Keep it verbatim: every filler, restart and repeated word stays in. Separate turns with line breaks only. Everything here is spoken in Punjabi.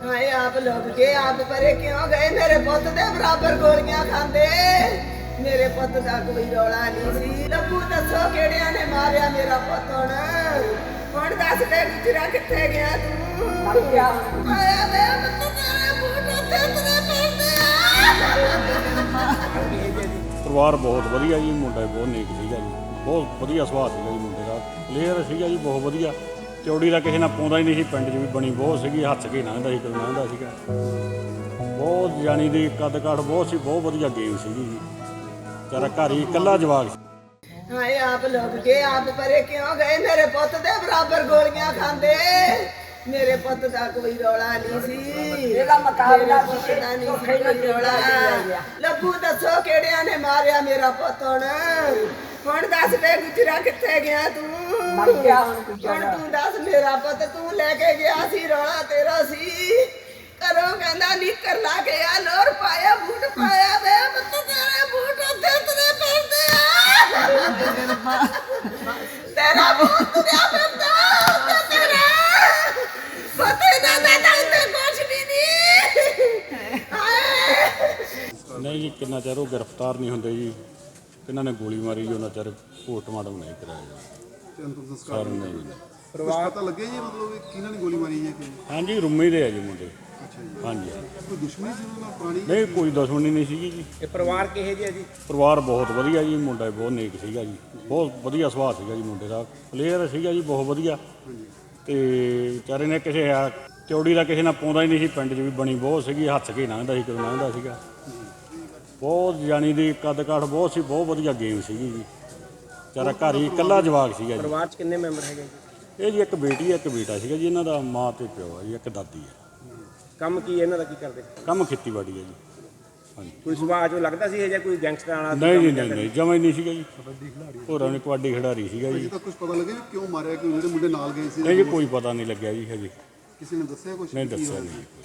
हाय आप लोग के आप परे क्यों गए मेरे पुत दे बराबर गोलियां खांदे मेरे पुत दा कोई रौला नहीं सी लब्बू दसो केड़ियां ने मारिया मेरा पुत हुण हुण दस दे गुजरा किथे गया तू मर गया आया वे पुत तेरे बूट ते तेरे पैंदे
ਪਰਿਵਾਰ ਬਹੁਤ ਵਧੀਆ ਜੀ ਮੁੰਡਾ ਬਹੁਤ ਨੇਕ ਸੀਗਾ ਜੀ ਬਹੁਤ ਵਧੀਆ ਸੁਭਾਅ ਸੀਗਾ ਜੀ ਮੁੰਡੇ ਦਾ ਪਲੇਅਰ ਸੀਗਾ ਜੀ ਬਹੁਤ ਵਧੀਆ ਚੌੜੀ ਦਾ ਕਿਸੇ ਨਾਲ ਪਾਉਂਦਾ ਹੀ ਨਹੀਂ ਸੀ ਪਿੰਡ 'ਚ ਵੀ ਬਣੀ ਬਹੁਤ ਸੀਗੀ ਹੱਥ ਕੇ ਲੰਘਦਾ ਸੀ ਕਦੋਂ ਲੰਘਦਾ ਸੀਗਾ ਬਹੁਤ ਜਾਣੀ ਦੀ ਕੱਦ ਕਾਠ ਬਹੁਤ ਸੀ ਬਹੁਤ ਵਧੀਆ ਗੇਮ ਸੀਗੀ ਜੀ ਵਿਚਾਰਾ ਘਰ ਹੀ ਇਕੱਲਾ ਜਵਾਕ ਸੀ
हाय आप लोग के आप परे क्यों गए मेरे पुत दे बराबर गोलियां खांदे मेरे पुत दा कोई रौला नहीं सी
ਇਹਦਾ ਮੁਕਾਬਲਾ
ਕਿਸੇ ਦਾ ਨਹੀਂ ਸੀ ਕੋਈ ਰੌਲਾ ਲੱਭੂ ਦੱਸੋ ਕਿਹੜਿਆਂ ਨੇ ਮਾਰਿਆ ਮੇਰਾ ਪੁੱਤ ਹੁਣ ਹੁਣ ਦੱਸ ਦੇ ਗੁਜਰਾ ਕਿੱਥੇ ਗਿਆ ਤੂੰ
ਮਰ ਗਿਆ
ਹੁਣ ਤੂੰ ਦੱਸ ਮੇਰਾ ਪੁੱਤ ਤੂੰ ਲੈ ਕੇ ਗਿਆ ਸੀ ਰੌਲਾ ਤੇਰਾ ਸੀ ਕਰੋ ਕਹਿੰਦਾ ਨਿੱਕਰ ਲਾ ਕੇ ਆ ਲੋਰ ਪਾਇਆ ਬੂਟ ਪਾਇਆ ਵੇ ਪੁੱਤ ਤੇਰੇ ਬੂਟ ਉੱਤੇ ਤੇਰੇ ਪੈਂਦੇ ਆ ਤੇਰਾ ਬੂਟ ਤੁਰਿਆ ਫਿਰਦਾ ਉੱਤੇ ਤੇਰਾ ਪਤਾ ਨਾ ਨਾ ਤੇ ਕੁਛ ਵੀ ਨਹੀਂ ਹਾਏ
ਨਹੀਂ ਜੀ ਕਿੰਨਾ ਚਿਰ ਉਹ ਗ੍ਰਿਫਤਾਰ ਨਹੀਂ ਹੁੰਦੇ ਜੀ ਕਿੰਨਾਂ ਨੇ ਗੋਲੀ ਮਾਰੀ ਜੀ ਉਹਨਾਂ ਚਿਰ ਪੋਸਟਮਾਰਟਮ ਨਹੀਂ ਕਰਾਇਆ
ਤੇ ਅੰਤਿਮ ਸੰਸਕਾਰ
ਸਰ ਨਹੀਂ
ਪਰਿਵਾਰ ਪਤਾ ਲੱਗਿਆ ਜੀ ਮਤਲਬ ਵੀ ਕਿਹਨਾਂ ਨੇ ਗੋਲੀ ਮਾਰੀ ਹੈ ਕਿ
ਹਾਂਜੀ ਰੁੰਮੇ ਦੇ ਆ ਜੀ ਮੁੰਡੇ
ਅੱਛਾ ਜੀ
ਹਾਂਜੀ
ਕੋਈ ਦੁਸ਼ਮਣੀ ਸੀ ਉਹਨਾਂ ਨਾਲ ਪੁਰਾਣੀ
ਨਹੀਂ ਕੋਈ ਦੁਸ਼ਮਣੀ ਨਹੀਂ ਸੀਗੀ ਜੀ
ਇਹ ਪਰਿਵਾਰ ਕਿਹੋ ਜਿਹਾ ਜੀ
ਪਰਿਵਾਰ ਬਹੁਤ ਵਧੀਆ ਜੀ ਮੁੰਡਾ ਬਹੁਤ ਨੇਕ ਸੀਗਾ ਜੀ ਬਹੁਤ ਵਧੀਆ ਸੁਭਾਅ ਸੀਗਾ ਜੀ ਮੁੰਡੇ ਦਾ ਪਲੇਅਰ ਸੀਗਾ ਜੀ ਬਹੁਤ ਵਧੀਆ ਤੇ ਵਿਚਾਰੇ ਨੇ ਕਿਸੇ ਆ ਚੌੜੀ ਦਾ ਕਿਸੇ ਨਾਲ ਪਾਉਂਦਾ ਹੀ ਨਹੀਂ ਸੀ ਪਿੰਡ 'ਚ ਵੀ ਬਣੀ ਬਹੁਤ ਸੀਗੀ ਹੱਥ ਕੇ ਲੰਘਦਾ ਸੀ ਕਦੋਂ ਲੰਘਦਾ ਸੀਗਾ ਬਹੁਤ ਜਾਣੀ ਦੀ ਕੱਦ ਕਾਠ ਬਹੁਤ ਸੀ ਬਹੁਤ ਵਧੀਆ ਗੇਮ ਸੀਗੀ ਜੀ ਵਿਚਾਰਾ ਘਰ ਹੀ ਇਕੱਲਾ ਜਵਾਕ ਸੀਗਾ ਜੀ
ਪਰਿਵਾਰ 'ਚ ਕਿੰਨੇ ਮੈਂਬਰ ਹੈਗੇ ਜੀ
ਇਹ ਜੀ ਇੱਕ ਬੇਟੀ ਹੈ ਇੱਕ ਬੇਟਾ ਸੀਗਾ ਜੀ ਇਹਨਾਂ ਦਾ ਮਾਂ ਤੇ ਪਿਓ ਹੈ ਜੀ ਇੱਕ ਦਾਦੀ ਹੈ
ਕੰਮ ਕੀ ਇਹਨਾਂ ਦਾ ਕੀ ਕਰਦੇ
ਕੰਮ ਖੇਤੀਬਾੜੀ ਹੈ ਜੀ ਹਾਂਜੀ
ਕੋਈ ਸੁਭਾਅ ਜੋ ਲੱਗਦਾ ਸੀ ਇਹ ਜਾਂ ਕੋਈ ਗੈਂਗਸਟਰ ਵਾਲਾ
ਨਹੀਂ ਜੀ ਨਹੀਂ ਨਹੀਂ ਜਮਾਂ ਹੀ ਨਹੀਂ ਸੀਗਾ ਜੀ ਹੋਰਾਂ ਨੇ ਕਬੱਡੀ ਖਿਡਾਰੀ ਸੀਗਾ ਜੀ
ਅਜੇ ਤੱਕ ਕੁਝ ਪਤਾ ਲੱਗਿਆ ਵੀ ਕਿਉਂ ਮਾਰਿਆ ਕਿ ਜਿਹੜੇ ਮੁੰਡੇ ਨਾਲ ਗਏ ਸੀ
ਨਹੀਂ ਜੀ ਕੋਈ ਪਤਾ ਨਹੀਂ ਲੱਗਿਆ ਜੀ ਹਜੇ
ਕਿਸੇ ਨੇ ਦੱਸਿਆ ਕੁਝ
ਨਹੀਂ ਦੱਸਿਆ ਨਹੀਂ